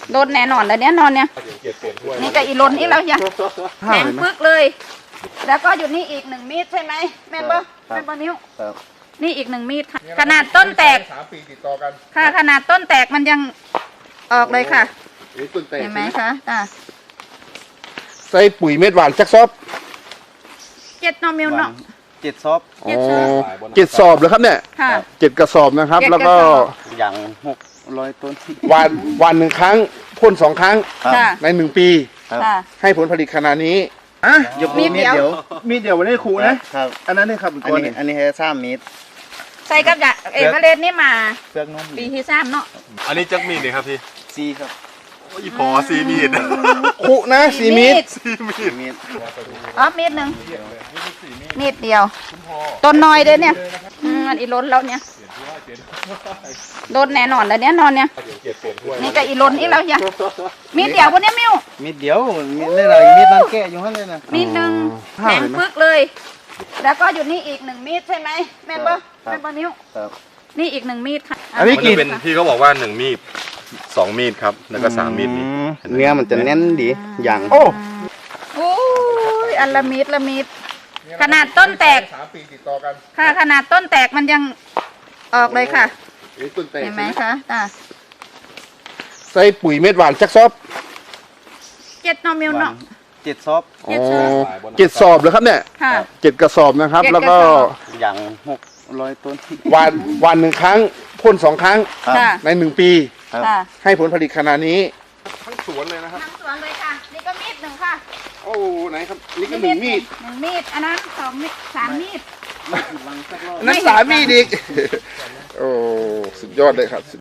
โดนแน่นอนแล้วเนี่ยนอนเนี่ยนี่ก็อีล้นอีกแล้วยังแข็งปึ๊กเลย แล้วก็อยู่นี่อีก1 มีดใช่ไหมแม่นบ่แม่นบ่นิ้วนี่อีก1 มีดค่ะขนาดต้นแตก 3 ปีติดต่อกันค่ะขนาดต้นแตกมันยังออกเลยค่ะต้นแตกเห็นไหมคะใส่ปุ๋ยเม็ดหวานจักซอบ 7 นอมิลเนาะ 7 ซอบ 7 สอบเลยครับเนี่ยค่ะ 7 กระสอบนะครับ แล้วก็อย่าง600 ต้นวันหนึ่งครั้งพ่น2 ครั้งค่ะใน1 ปีค่ะให้ผลผลิตขนาดนี้ยกมีดเดียวมีดเดียววันนี้ครูนะครับอันนั้นนี่ครับอันนี้ให้3 เมตรใส่กับเอกเลสนี่มาเปลือกนุ่มปีที่3เนาะอันนี้จักมีดนี่ครับพี่ 4 ครับอีพอซีมีดครูนะ4 มีดเมตรอ๋อมีดหนึ่งมีดเดียวต้นน้อยเลยเนี่ยมันอีล้นแล้วเนี่ยโดนแน่นอนแล้วเนี่ยนอนเนี่ยนี่ก็อีล้นอีกแล้วยังมีดเดียววันนี้มิวมีดเดียวมีดอะไรมีดนั่นแกะอยู่หั่นเลยนะมีดหนึ่งแข็งปึ๊กเลย แล้วก็อยู่นี่อีก1 มีดใช่ไหมแม่นบ่แม่นบ่นิ้วนี่อีก1 มีดค่ะอันนี้มันจะเป็นพี่เขาบอกว่า1 มีด 2 มีดครับแล้วก็3 มีดนี่เนื้อมันจะแน่นดีอย่างโอ้โอ้ยอันละมีดขนาดต้นแตก 3 ปีติดต่อกันค่ะขนาดต้นแตกมันยังออกเลยค่ะต้นแตกเห็นไหมคะใส่ปุ๋ยเม็ดหวานจักซอบ 7 นอมิลเนาะ 7 ซอบ 7 สอบเลยครับเนี่ยค่ะ 7 กระสอบนะครับ 7 แล้วก็กระสอบอย่าง600 ต้นวันหนึ่งครั้งพ่น2 ครั้งค่ะใน1 ปีค่ะให้ผลผลิตขนาดนี้ทั้งสวนเลยนะครับทั้งสวนเลยค่ะ นี่ก็มีด1ค่ะโอ้ไหนครับนี่ก็1 มีด 1 มีดอันนั้น2 มีด3 มีดนั่น3 มีดอีกโอ้สุดยอดเลยครับ